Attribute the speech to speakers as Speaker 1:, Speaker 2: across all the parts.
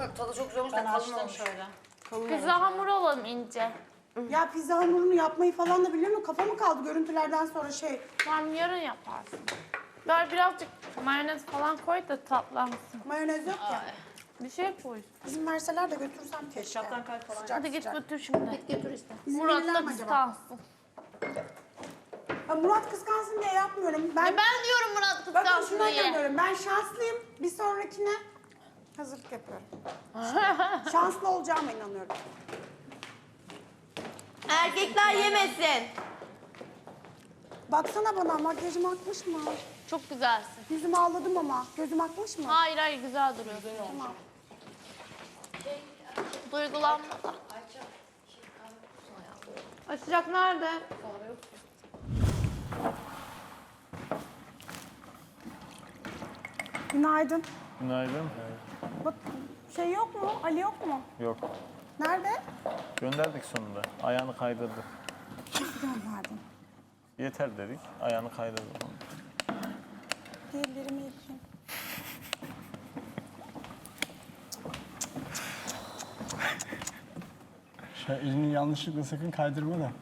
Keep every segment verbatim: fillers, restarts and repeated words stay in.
Speaker 1: bak tadı çok güzel olmuş da
Speaker 2: Ben
Speaker 1: kalın
Speaker 2: açtım
Speaker 1: olmuş.
Speaker 2: şöyle. Kalın
Speaker 3: Pizza hamuru alalım ince.
Speaker 4: Ya pizza hamurunu yapmayı falan da biliyor musun? Kafa mı kaldı görüntülerden sonra şey?
Speaker 3: Tamam yarın yaparsın. Böyle birazcık mayonez falan koy da tatlansın.
Speaker 4: Mayonez yok ya.
Speaker 3: Bir şey koy.
Speaker 4: İzin verseler de götürsem keşke.
Speaker 2: Ketçaptan kalp falan.
Speaker 4: Sıcak
Speaker 3: Hadi git
Speaker 4: sıcak.
Speaker 3: götür şimdi.
Speaker 1: Git götür işte.
Speaker 4: İzin
Speaker 3: Murat
Speaker 4: verirler
Speaker 3: da
Speaker 4: mi acaba?
Speaker 3: kıskansın.
Speaker 4: Ya Murat kıskansın diye yapmıyorum. Ben,
Speaker 3: E ben diyorum Murat
Speaker 4: bakın
Speaker 3: kıskansın
Speaker 4: şuna
Speaker 3: diye.
Speaker 4: dönüyorum. Ben şanslıyım. Bir sonrakine hazırlık yapıyorum. Şanslı olacağıma inanıyorum.
Speaker 1: Erkekler yemesin.
Speaker 4: Baksana bana makyajım akmış mı?
Speaker 3: Çok güzelsin.
Speaker 4: Yüzümü ağladım ama. Gözüm akmış mı?
Speaker 3: Hayır hayır güzel duruyorsun.
Speaker 4: Tamam.
Speaker 3: Duygulanma da. Açacak nerede?
Speaker 4: Günaydın.
Speaker 5: Günaydın.
Speaker 4: Bak şey yok mu? Ali yok mu?
Speaker 5: Yok.
Speaker 4: Nerede?
Speaker 5: Gönderdik sonunda. Ayağını kaydırdı.
Speaker 4: Nasıl gönderdin?
Speaker 5: Yeter dedik. Ayağını kaydırdı.
Speaker 4: Ellerimi yıkayayım.
Speaker 6: Şu elini yanlışlıkla sakın kaydırma da.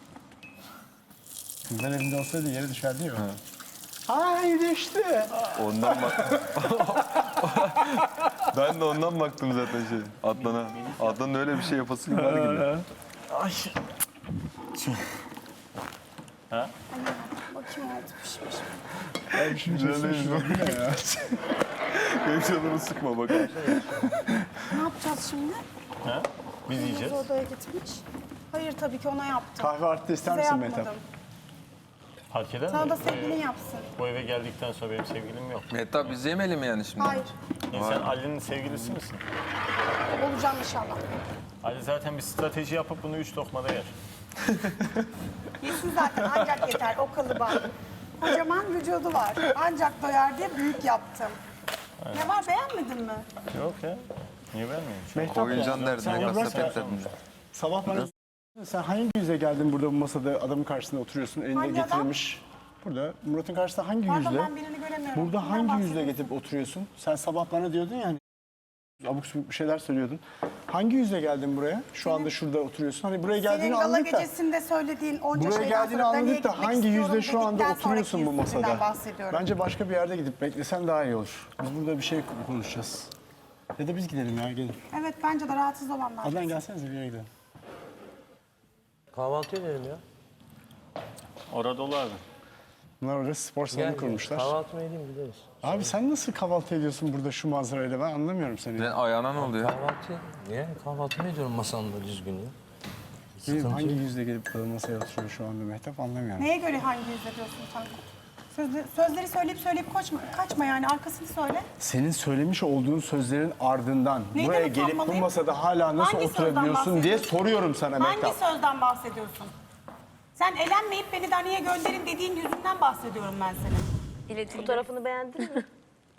Speaker 6: Kızlar evinde olsaydı yere düşerdi ya. Ay düştü.
Speaker 7: Ondan bak. Ben de ondan baktım zaten şey. Adnan'a. Adnan'ın öyle bir şey yapası var gibi.
Speaker 5: Ay. Ha?
Speaker 4: Bakayım oldu pişmiş.
Speaker 6: Ay şimdi
Speaker 7: Güzel
Speaker 6: şurada ya.
Speaker 7: Benim canımı sıkma bak.
Speaker 4: Ne yapacağız şimdi?
Speaker 5: Ha? Biz yiyeceğiz.
Speaker 4: Kız odaya gitmiş. Hayır tabii ki ona yaptım.
Speaker 6: Kahve arttı ister
Speaker 4: Size
Speaker 6: misin Mehtap?
Speaker 4: yapmadım.
Speaker 5: Fark eder
Speaker 4: Sana
Speaker 5: mi?
Speaker 4: da sevgilin yapsın.
Speaker 5: Bu eve geldikten sonra benim sevgilim yok.
Speaker 7: Mehtap biz yemeyelim mi yani şimdi?
Speaker 4: Hayır.
Speaker 5: Ya sen Ali'nin sevgilisi misin?
Speaker 4: Olacağım inşallah.
Speaker 5: Ali zaten bir strateji yapıp bunu üç lokmada yer.
Speaker 4: Yesin zaten ancak yeter o kalıba. Kocaman vücudu var. Ancak doyar diye büyük yaptım. Ne var beğenmedin mi?
Speaker 5: Yok ya. Niye vermeyeyim?
Speaker 6: Mehtap
Speaker 7: Koyuncan
Speaker 6: ya.
Speaker 7: derdine
Speaker 6: Sen bırak
Speaker 7: kasap
Speaker 6: ya.
Speaker 7: et derdine.
Speaker 6: Sabah bana sen hangi yüzle geldin burada bu masada adamın karşısında oturuyorsun elinde
Speaker 4: Hangi adam?
Speaker 6: getirilmiş. Burada Murat'ın karşısında hangi
Speaker 4: Pardon
Speaker 6: yüzle?
Speaker 4: ben birini göremiyorum.
Speaker 6: Burada
Speaker 4: Kimden
Speaker 6: hangi yüzle
Speaker 4: bahsediyorsun?
Speaker 6: getirip oturuyorsun? Sen sabah bana diyordun yani. Abuk subuk bir şeyler söylüyordun. Hangi yüzle geldin buraya? Şu anda şurada oturuyorsun. Hani buraya
Speaker 4: Senin
Speaker 6: geldiğini
Speaker 4: gala
Speaker 6: anladık da.
Speaker 4: gecesinde söylediğin onca
Speaker 6: Buraya
Speaker 4: şeyden
Speaker 6: geldiğini
Speaker 4: sonra Dani'ye
Speaker 6: anladık da
Speaker 4: gitmek
Speaker 6: hangi
Speaker 4: istiyorum
Speaker 6: yüzle şu anda
Speaker 4: dedikten sonraki
Speaker 6: oturuyorsun bu
Speaker 4: yüzünden
Speaker 6: masada?
Speaker 4: bahsediyorum.
Speaker 6: Bence başka bir yerde gidip beklesen daha iyi olur. Biz burada bir şey konuşacağız. Ya da biz gidelim ya gelin.
Speaker 4: Evet bence de rahatsız olanlar.
Speaker 6: Adnan gelsenize bir yere gidelim.
Speaker 8: Kahvaltı edelim ya.
Speaker 5: Orada dolu abi.
Speaker 6: Bunlar orada spor salonu
Speaker 8: Gel,
Speaker 6: kurmuşlar.
Speaker 8: kahvaltı edelim gideriz.
Speaker 6: Abi sen nasıl kahvaltı ediyorsun burada şu manzarayla ben anlamıyorum seni.
Speaker 7: Senin ayağına ne oluyor?
Speaker 8: Kahvaltı, niye? Kahvaltı mı ediyorum masamda düzgün ya?
Speaker 6: Benim
Speaker 8: Sıkıntı
Speaker 6: hangi
Speaker 8: yok.
Speaker 6: yüzle gelip burada masaya oturuyor şu anda Mehtap anlamıyorum.
Speaker 4: Neye göre hangi yüzle diyorsun sen? Sözleri, sözleri söyleyip söyleyip kaçma, kaçma yani arkasını söyle.
Speaker 6: Senin söylemiş olduğun sözlerin ardından
Speaker 4: Neyden
Speaker 6: buraya gelip bu
Speaker 4: utanmalıyım?
Speaker 6: masada hala nasıl
Speaker 4: Hangi sözden
Speaker 6: oturabiliyorsun diye
Speaker 4: bahsediyorsun?
Speaker 6: soruyorum sana Mehtap.
Speaker 4: Hangi sözden bahsediyorsun? Sen elenmeyip beni Dani'ye gönderin dediğin yüzünden bahsediyorum ben senin.
Speaker 1: Fotoğrafını beğendin mi?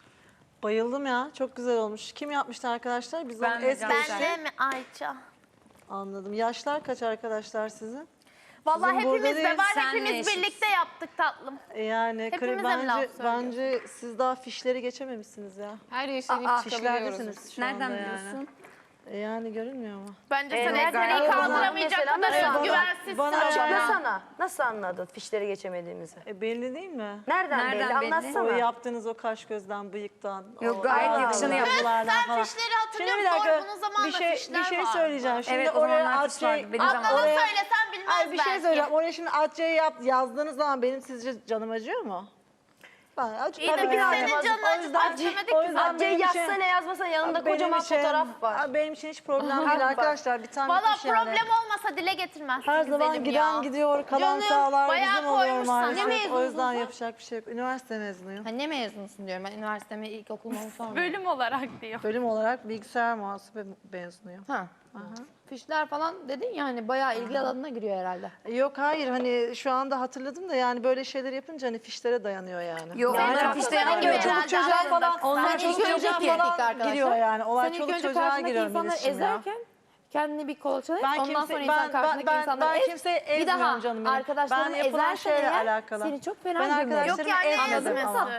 Speaker 2: Bayıldım ya. Çok güzel olmuş. Kim yapmıştı arkadaşlar? Biz
Speaker 3: Ben
Speaker 2: onu
Speaker 3: de
Speaker 2: es geçtik.
Speaker 3: Ben de mi Ayça?
Speaker 2: Anladım. Yaşlar kaç arkadaşlar sizin?
Speaker 3: Vallahi
Speaker 2: Sizin burada
Speaker 3: hepimiz de
Speaker 2: değil,
Speaker 3: var.
Speaker 1: senle
Speaker 3: Hepimiz
Speaker 1: eşitiz.
Speaker 3: birlikte yaptık tatlım.
Speaker 2: E Yani
Speaker 3: Hepimize
Speaker 2: kre-
Speaker 3: mi laf
Speaker 2: bence,
Speaker 3: söylüyorsun?
Speaker 2: bence siz daha fişleri geçememişsiniz ya.
Speaker 1: Her yaşayıp
Speaker 2: Fişlerdesiniz şu
Speaker 1: Nereden
Speaker 2: anda
Speaker 1: biliyorsun?
Speaker 2: Yani. E Yani görünmüyor mu?
Speaker 3: Bence
Speaker 1: Ee,
Speaker 3: sen
Speaker 1: nereden
Speaker 3: ezbereyi
Speaker 1: anladın?
Speaker 3: kaldıramayacak
Speaker 1: Mesela
Speaker 3: kadar
Speaker 1: nasıl
Speaker 3: özgüvensizsin.
Speaker 2: Bana-
Speaker 1: Açıklasana. Nasıl anladın fişleri geçemediğimizi?
Speaker 2: E belli değil mi?
Speaker 1: Nereden,
Speaker 9: Nereden
Speaker 1: belli?
Speaker 9: belli?
Speaker 1: Anlatsana.
Speaker 2: O yaptığınız o kaş gözden, bıyıktan.
Speaker 9: Yok,
Speaker 2: o
Speaker 9: gayet
Speaker 2: ağızlardan,
Speaker 9: yakışanı yaptın.
Speaker 2: buralardan
Speaker 3: Sen
Speaker 2: falan.
Speaker 3: fişleri hatırlıyor
Speaker 2: Şimdi bir
Speaker 3: musun?
Speaker 2: dakika,
Speaker 3: Bunun zamanında
Speaker 2: bir şey,
Speaker 3: fişler
Speaker 2: bir şey
Speaker 3: vardı.
Speaker 2: söyleyeceğim. Şimdi
Speaker 9: Evet, o
Speaker 2: oraya
Speaker 9: zamanlar fiş vardı.
Speaker 2: Atçı,
Speaker 9: Benim zamanımda.
Speaker 3: Adnan'a
Speaker 2: oraya,
Speaker 3: söylesen bilmez
Speaker 2: Ay bir şey
Speaker 3: belki.
Speaker 2: söyleyeceğim. Oraya şimdi Atçı'ya yap, yazdığınız zaman benim sizce canım acıyor mu? Ben acı,
Speaker 3: İyi de
Speaker 2: tabii
Speaker 3: biz
Speaker 2: yani.
Speaker 3: senin canını
Speaker 2: O yüzden-
Speaker 3: acı- acımadık
Speaker 2: o
Speaker 3: ki
Speaker 2: yüzden
Speaker 3: zaten.
Speaker 1: Hatice'yi
Speaker 2: benim için-
Speaker 1: yazsana yazmasana yanında
Speaker 2: benim
Speaker 1: kocaman
Speaker 2: için-
Speaker 1: fotoğraf var.
Speaker 2: Aa, Benim için hiç problem
Speaker 1: Aha,
Speaker 2: değil
Speaker 1: bak.
Speaker 2: arkadaşlar. Bir tane
Speaker 3: Valla
Speaker 2: bir şey yani.
Speaker 3: problem olmasa dile getirmezsin
Speaker 2: Her
Speaker 3: güzelim
Speaker 2: zaman giden
Speaker 3: ya.
Speaker 2: gidiyor, kalan
Speaker 3: Canım,
Speaker 2: sağlar
Speaker 3: bayağı
Speaker 2: bizim oluyor
Speaker 3: koymuşsun. Ne
Speaker 2: maalesef. O
Speaker 3: mezunusun
Speaker 2: yüzden
Speaker 3: sen?
Speaker 2: yapacak bir şey yok. Üniversite mezunuyum.
Speaker 9: Ha, ne mezunusun diyorum ben üniversiteme ilkokuldan sonra.
Speaker 3: Bölüm olarak diyor.
Speaker 2: Bölüm olarak bilgisayar muhasebe mezunuyum.
Speaker 9: Ha. Fişler falan dedin ya hani bayağı ilgi alanına giriyor herhalde.
Speaker 2: Yok hayır hani şu anda hatırladım da yani böyle şeyler yapınca hani fişlere dayanıyor yani.
Speaker 9: Yok,
Speaker 2: yani
Speaker 9: onlar
Speaker 2: hani
Speaker 9: fişte
Speaker 2: hani
Speaker 9: yanmıyor.
Speaker 2: çoluk
Speaker 3: Herhalde
Speaker 2: çocuğa
Speaker 3: anladım.
Speaker 2: falan,
Speaker 9: Onlar
Speaker 2: onlar
Speaker 9: ilk
Speaker 2: çoluk
Speaker 9: önce
Speaker 2: çocuğa
Speaker 9: ilk
Speaker 2: falan
Speaker 9: arkadaşlar.
Speaker 2: giriyor yani. Olay
Speaker 9: Sen ilk
Speaker 2: çoluk
Speaker 9: önce
Speaker 2: çocuğa
Speaker 9: karşındaki
Speaker 2: giriyor
Speaker 9: insanları
Speaker 2: bilişim ya.
Speaker 9: ezerken kendini bir kolaçalayıp
Speaker 2: Ben
Speaker 9: ondan
Speaker 2: kimse-
Speaker 9: sonra
Speaker 2: ben-
Speaker 9: insan
Speaker 2: ben-
Speaker 9: karşındaki
Speaker 2: ben-
Speaker 9: insanları
Speaker 2: ben
Speaker 9: ez.
Speaker 2: kimseyi
Speaker 9: Bir
Speaker 2: ezmiyorum
Speaker 9: daha
Speaker 2: canım benim.
Speaker 9: arkadaşlarını
Speaker 2: Ben yapılan
Speaker 9: ezersen
Speaker 2: şeyle
Speaker 9: eğer
Speaker 2: alakalı.
Speaker 9: seni çok fena
Speaker 2: Ben
Speaker 9: gömüyor.
Speaker 2: arkadaşlarımı
Speaker 3: Yok yani
Speaker 2: ezmedim
Speaker 3: ezmesi.
Speaker 2: ama.
Speaker 9: Tatlım.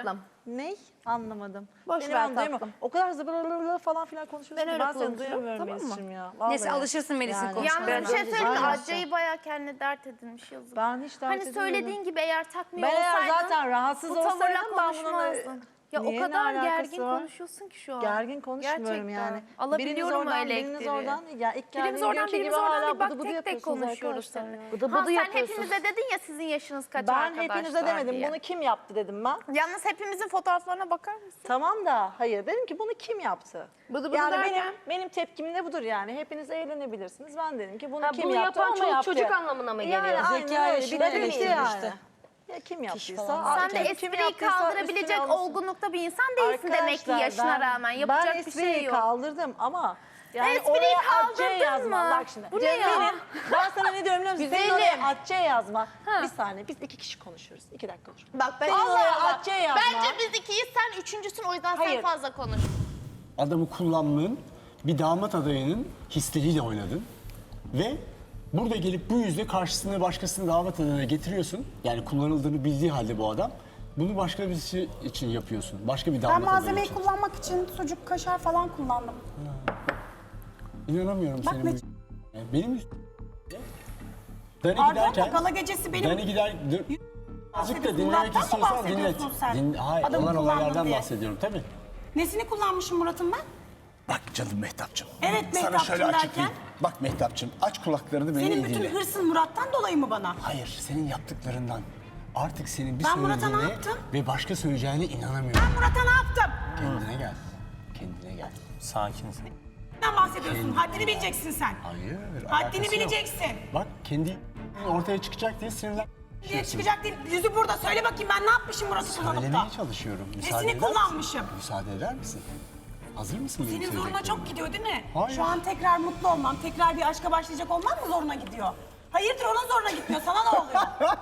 Speaker 2: Ney? Anlamadım.
Speaker 9: Boş
Speaker 2: Beni
Speaker 9: ver
Speaker 2: ben duyamıyorum.
Speaker 9: tatlım.
Speaker 2: O kadar zıbırırırır falan filan konuşuyorsun
Speaker 9: Ben
Speaker 2: ki
Speaker 9: öyle
Speaker 2: ben seni
Speaker 9: kullanıyorum,
Speaker 2: duyamıyorum
Speaker 9: tamam mı?
Speaker 2: Melis'ciğim ya. Vallahi.
Speaker 9: Neyse alışırsın Melis'in
Speaker 2: Yani.
Speaker 9: konuşmaya.
Speaker 3: Yalnız bir şey söyleyeyim mi?
Speaker 2: Aynen.
Speaker 3: Acayip bayağı kendine dert edinmiş yazık.
Speaker 2: Ben hiç dert
Speaker 3: Hani
Speaker 2: edilmedim.
Speaker 3: söylediğin gibi eğer takmıyor
Speaker 2: Ben eğer
Speaker 3: olsaydın
Speaker 2: zaten rahatsız
Speaker 3: bu tavırla
Speaker 2: olsaydım ben bununla...
Speaker 3: konuşmazdın. Ya
Speaker 2: Niye,
Speaker 3: o
Speaker 2: ne
Speaker 3: kadar
Speaker 2: alakası
Speaker 3: gergin
Speaker 2: var?
Speaker 3: konuşuyorsun ki şu an.
Speaker 2: Gergin konuşmuyorum
Speaker 3: Gerçekten.
Speaker 2: yani.
Speaker 3: Alabiliyorum
Speaker 2: biriniz oradan,
Speaker 3: öyle
Speaker 2: biriniz
Speaker 3: elektriği.
Speaker 2: oradan. Ya ilk
Speaker 3: Birimiz
Speaker 2: geldiğim
Speaker 3: oradan
Speaker 2: günkü
Speaker 3: birimiz
Speaker 2: gibi
Speaker 3: oradan
Speaker 2: hala
Speaker 3: bir bak
Speaker 2: bıdı bıdı
Speaker 3: tek tek
Speaker 2: yapıyorsunuz
Speaker 3: konuşuyoruz
Speaker 2: arkadaşlar
Speaker 3: seninle.
Speaker 2: ya. Bıdı
Speaker 3: Ha,
Speaker 2: bıdı
Speaker 3: sen
Speaker 2: yapıyorsunuz.
Speaker 3: hepimize dedin ya sizin yaşınız kaç
Speaker 2: Ben
Speaker 3: arkadaşlar
Speaker 2: hepinize demedim.
Speaker 3: diye.
Speaker 2: Bunu kim yaptı dedim ben.
Speaker 3: Yalnız hepimizin fotoğraflarına bakar mısın?
Speaker 2: Tamam da hayır dedim ki bunu kim yaptı?
Speaker 9: Bıdı bıdı
Speaker 2: yani
Speaker 9: derken?
Speaker 2: benim benim tepkim de budur yani. Hepiniz eğlenebilirsiniz. Ben dedim ki bunu
Speaker 1: Ha,
Speaker 2: kim
Speaker 1: bunu
Speaker 2: yaptı
Speaker 1: yapan
Speaker 2: ama
Speaker 1: çoluk
Speaker 2: yaptı.
Speaker 1: çocuk anlamına mı geliyor?
Speaker 2: Yani aynen
Speaker 9: Zeka
Speaker 2: öyle.
Speaker 9: yaşını
Speaker 2: Bir de bitti
Speaker 9: eleştirir
Speaker 2: yani.
Speaker 9: işte.
Speaker 2: Ya kim yaptıysa.
Speaker 9: falan.
Speaker 2: artık
Speaker 3: Sen de
Speaker 2: kim
Speaker 3: espriyi
Speaker 2: yaptıysa
Speaker 3: kaldırabilecek
Speaker 2: üstüne alınsın.
Speaker 3: olgunlukta bir insan değilsin demek ki
Speaker 2: Arkadaşlar,
Speaker 3: yaşına
Speaker 2: ben-
Speaker 3: rağmen. Yapacak
Speaker 2: ben
Speaker 3: bir
Speaker 2: espriyi
Speaker 3: şey yok.
Speaker 2: kaldırdım ama yani
Speaker 3: Espriyi
Speaker 2: oraya
Speaker 3: kaldırdın
Speaker 2: Atçe yazma.
Speaker 3: mı?
Speaker 2: Bak şimdi.
Speaker 3: Bu ne
Speaker 2: Cem
Speaker 3: ya?
Speaker 2: benim- ben sana ne diyorum biliyor musun? Senin
Speaker 3: Güzelim.
Speaker 2: oraya Atçe yazma. Bir saniye biz iki kişi konuşuyoruz. İki dakika konuşalım.
Speaker 3: Bak ben
Speaker 2: Senin
Speaker 3: Allah
Speaker 2: oraya
Speaker 3: Allah.
Speaker 2: Atçe yazma.
Speaker 3: Bence biz ikiyiz sen üçüncüsün o yüzden sen
Speaker 2: Hayır.
Speaker 3: fazla konuş.
Speaker 6: Adamı kullanmanın bir damat adayının hisleriyle oynadın. Ve burada gelip bu yüzde karşısına başkasını damat adayına getiriyorsun. Yani kullanıldığını bildiği halde bu adam. Bunu başka birisi için yapıyorsun. Başka bir damat
Speaker 4: Ben
Speaker 6: adayı
Speaker 4: malzemeyi
Speaker 6: için.
Speaker 4: kullanmak için sucuk, kaşar falan kullandım.
Speaker 6: İnanamıyorum
Speaker 4: Bak
Speaker 6: senin
Speaker 4: ne-
Speaker 6: bu... Benim üst- Dani
Speaker 4: Pardon
Speaker 6: giderken...
Speaker 4: da gala gecesi benim...
Speaker 6: Dani gider... Dur. Azıcık da dinlemek
Speaker 4: Murat'tan mı
Speaker 6: istiyorsan dinlet.
Speaker 4: bahsediyorsun sen?
Speaker 6: Din, hayır,
Speaker 4: Adamı
Speaker 6: olan
Speaker 4: kullandım
Speaker 6: olaylardan
Speaker 4: diye.
Speaker 6: bahsediyorum tabii.
Speaker 4: Nesini kullanmışım Murat'ın ben?
Speaker 6: Bak canım Mehtapçım.
Speaker 4: Evet,
Speaker 6: Sana
Speaker 4: Mehtapçım
Speaker 6: şöyle açıklayayım.
Speaker 4: derken?
Speaker 6: Bak Mehtapçım aç kulaklarını beni
Speaker 4: Senin
Speaker 6: iyi
Speaker 4: bütün
Speaker 6: dinle.
Speaker 4: hırsın Murat'tan dolayı mı bana?
Speaker 6: Hayır senin yaptıklarından. Artık senin bir
Speaker 4: Ben Murat'a ne
Speaker 6: söylediğine
Speaker 4: yaptım?
Speaker 6: ve başka söyleyeceğine inanamıyorum.
Speaker 4: Ben Murat'a ne yaptım?
Speaker 6: Kendine gel. Kendine gel.
Speaker 5: Sakinsin.
Speaker 4: Neden bahsediyorsun? Haddini bileceksin sen.
Speaker 6: Hayır.
Speaker 4: Haddini
Speaker 6: alakası yok.
Speaker 4: bileceksin.
Speaker 6: Bak kendi ortaya çıkacak diye sinirlen.
Speaker 4: Diye çıkacak değil. Yüzü burada. Söyle bakayım ben ne yapmışım Murat'ı kullanıp da?
Speaker 6: Söylemeye çalışıyorum. Müsaade
Speaker 4: Nesini
Speaker 6: eder misin?
Speaker 4: kullanmışım?
Speaker 6: Müsaade eder misin? Hazır mısın benim
Speaker 4: Senin zoruna
Speaker 6: söyleyeceklerime?
Speaker 4: çok gidiyor değil mi?
Speaker 6: Hayır.
Speaker 4: Şu an tekrar mutlu olmam, tekrar bir aşka başlayacak olmam mı zoruna gidiyor? Hayırdır onun zoruna gitmiyor. Sana ne oluyor?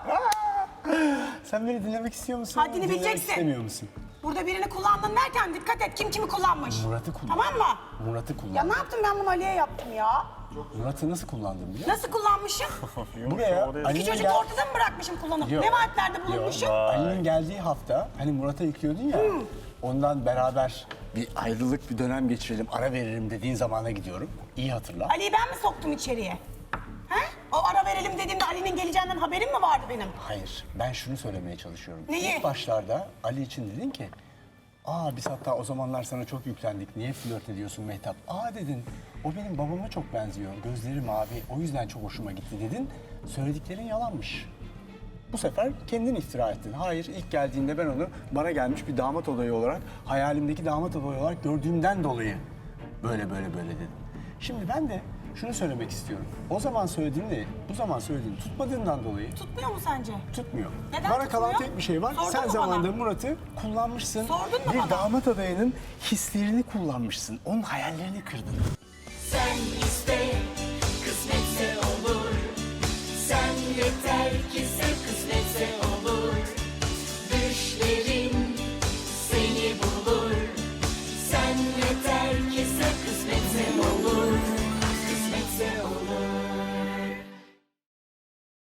Speaker 6: Sen beni dinlemek istiyor musun?
Speaker 4: Haddini
Speaker 6: dinlemek
Speaker 4: bileceksin.
Speaker 6: istemiyor musun?
Speaker 4: Burada birini kullandın derken dikkat et kim kimi kullanmış.
Speaker 6: Murat'ı kullan.
Speaker 4: Tamam mı?
Speaker 6: Murat'ı
Speaker 4: Ya
Speaker 6: kullan.
Speaker 4: ne yaptım ben bunu Ali'ye yaptım ya?
Speaker 6: Murat'ı nasıl kullandın biliyor musun?
Speaker 4: Nasıl kullanmışım?
Speaker 6: Buraya
Speaker 4: İki
Speaker 6: Ali'nin
Speaker 4: çocuk
Speaker 6: gel-
Speaker 4: ortada mı bırakmışım kullanıp?
Speaker 6: Yok.
Speaker 4: Ne vaatlerde bulunmuşum?
Speaker 6: Ali'nin geldiği hafta hani Murat'a yüklüyordun ya. Ondan beraber bir ayrılık bir dönem geçirelim, ara veririm dediğin zamana gidiyorum. İyi hatırla.
Speaker 4: Ali'yi ben mi soktum içeriye? He? O ara verelim dediğimde Ali'nin geleceğinden haberim mi vardı benim?
Speaker 6: Hayır, ben şunu söylemeye çalışıyorum.
Speaker 4: Neyi?
Speaker 6: İlk başlarda Ali için dedin ki, aa biz hatta o zamanlar sana çok yüklendik, niye flört ediyorsun Mehtap? Aa dedin, o benim babama çok benziyor, gözleri mavi, o yüzden çok hoşuma gitti dedin. Söylediklerin yalanmış. Bu sefer kendin iftira ettin. Hayır, ilk geldiğinde ben onu bana gelmiş bir damat adayı olarak, hayalimdeki damat adayı olarak gördüğümden dolayı böyle böyle böyle dedim. Şimdi ben de şunu söylemek istiyorum. O zaman söylediğinle bu zaman söylediğin tutmadığından dolayı
Speaker 4: Tutmuyor mu sence?
Speaker 6: tutmuyor.
Speaker 4: Neden
Speaker 6: bana kalan
Speaker 4: tutmuyor?
Speaker 6: tek bir şey var.
Speaker 4: Sordun
Speaker 6: Sen
Speaker 4: mu
Speaker 6: zamanında
Speaker 4: bana?
Speaker 6: Murat'ı kullanmışsın.
Speaker 4: Sordun mu
Speaker 6: bir
Speaker 4: bana?
Speaker 6: damat adayının hislerini kullanmışsın. Onun hayallerini kırdın.
Speaker 10: Sen